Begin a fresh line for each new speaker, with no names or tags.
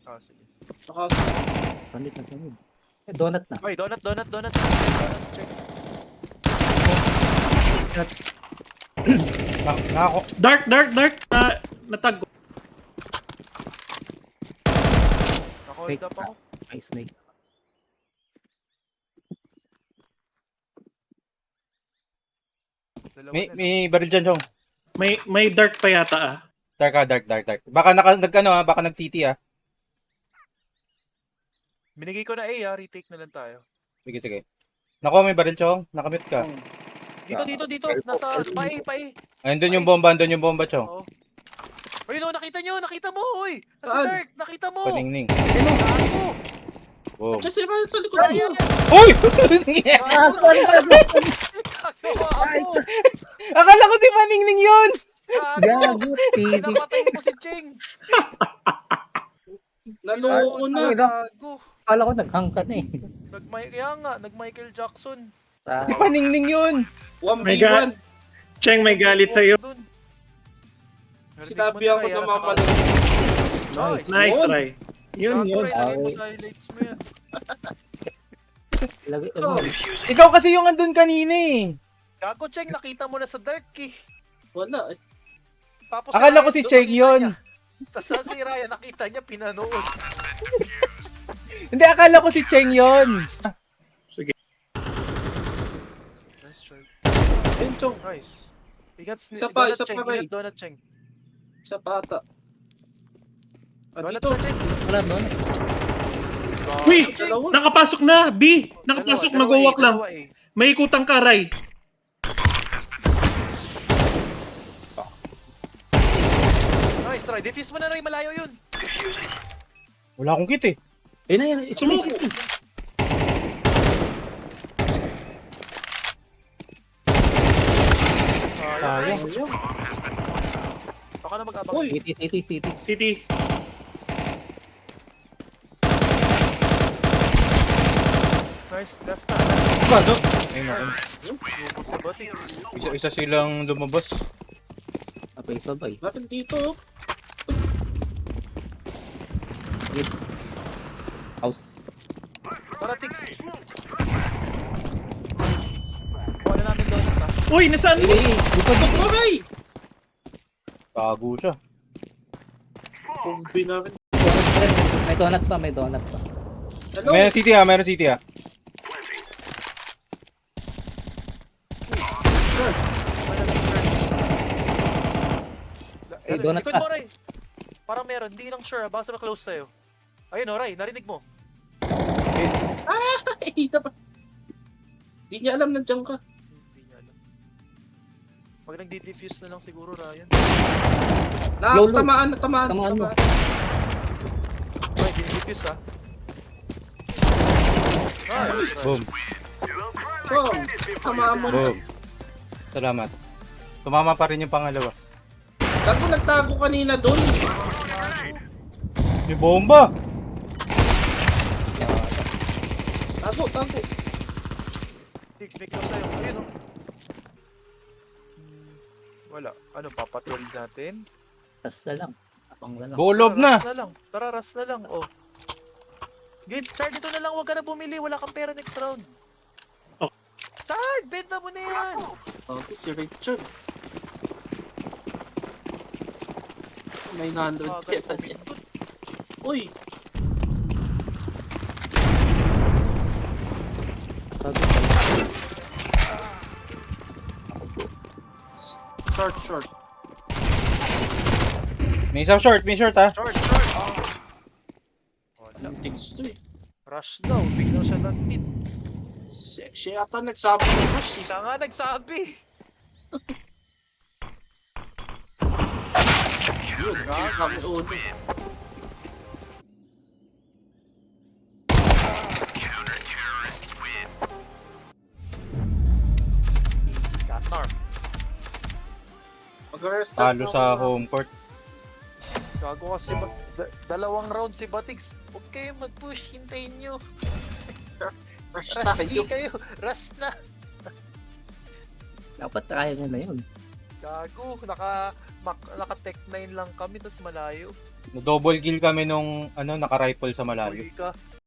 Ah, sige.
Naka...
Sanit na sanit. Eh, donut na.
Ay, donut. Donut, check.
Nako.
Dark! Natag.
Naka-hold
Fake
up ako.
May snake.
Dalawa
May,
na.
may baril dyan, Chong.
May dark pa yata ah.
Dark. Baka baka nag-city ah.
Binigay ko na A, retake na lang tayo.
Sige. Nako, may baril, Chong. Nakamute ka.
Dito. Nasa pa A.
Andun yung bomba, Chong.
Oo. Uy, no, nakita mo, uy! Nasa
Saan?
dark, nakita mo!
Paningning.
Gago!
Boom.
Diyan sila sa likod
Ayan!
mo.
Uy!
Gago! Gago!
Akala ko si Paningning yun!
Gago!
Gago, TV.
Napatay mo si Cheng!
Naloko na.
Gago!
Akala ko naghang ka na eh.
Kaya nga, nag-Michael Jackson.
Si Paningning yun!
1v1. Cheng, may galit sa'yo.
Dun.
Sinabi ako na mamali. Nice, Ray. Yun.
Ilagay mo sa highlights mo yan.
Ilagay
So,
mo.
Ikaw kasi yung andun kanina eh.
Gago, Cheng, nakita mo na sa dark eh.
wala eh.
Tapos
Akala ko
Ryan,
si
doon
Cheng
nakita
yun.
niya. Tapos si Ryan, nakita niya, pinanood.
Hindi, akala ko si Cheng yun.
Nice try.
Ayun, Chong.
Nice.
Isa pa, Ray.
Donut, Cheng.
Sa pata.
Donut
Dito.
na, Cheng.
Wala donut.
Uy!
Dalawa.
Nakapasok na! B! Nakapasok,
Dalawa,
mag-walk lang.
dalawa, eh.
May ikutang ka, Ray.
Nice try. Defuse mo na, Ray. Malayo yun.
Wala akong kit eh.
Ayun na yan.
Smoke!
Sayang. Baka na mag-abang.
Uy!
City.
City.
Nice. Last na.
Bado. Ayun ako.
Lupos na bati.
Isa silang lumabas.
Sabay.
Bakit dito?
House.
Tara, Tix. Kuha na namin donut, ha?
Uy! Nasaan mo? Tutok mo, Ray!
Tago siya.
Kumbi na rin.
May donut pa.
Hello?
Meron city ah.
Eh, donut
Likod
ka.
mo, Ray. Parang meron. Hindi lang sure, ha? Baka sa close sa'yo. Ayun, oh, Ray. Narinig mo.
Ay, dapat. Di niya alam nandiyan ka.
Hindi niya alam. Pag nag-defuse na lang siguro, Ryan.
Low.
Tamaan.
Tamaan mo.
Ray, defuse, ha? Nice.
Boom.
Chong, tamaan mo na.
Boom. Salamat. Tumama pa rin yung pangalawa.
Gago, nagtago kanina doon.
May bomba!
Tago.
Tix, may close sa'yo. Ayun, oh. Wala. Ano, papatrol natin?
Tas na lang. Apang na lang.
Bulob na!
Tara, ras na lang. Oh. Chard, dito na lang. Huwag ka na bumili. Wala kang pera next round.
Oh.
Chard, benta mo na yan.
Okay, si Richard. 900
Agad
pera
sa
niya.
bintod.
Uy!
Sabi
Short.
May isang short ah.
Short. Wala.
Tings to eh.
Rush daw. Biglang siya nag-mid.
Siya yata nagsabi ng rush eh.
Siya nga nagsabi.
Yun, kami ulo.
Catnar.
Mag-rest
Talo sa home court.
Gago kasi dalawang round si Batix. Huwag kayo mag-push. Hintayin nyo.
Rush
Rush
tayo.
kayo. Rush na.
dapat kaya niya na yun.
Gago. naka-tech 9 lang kami, tas malayo.
Double kill kami nung naka-rifle sa malayo.
Uy ka.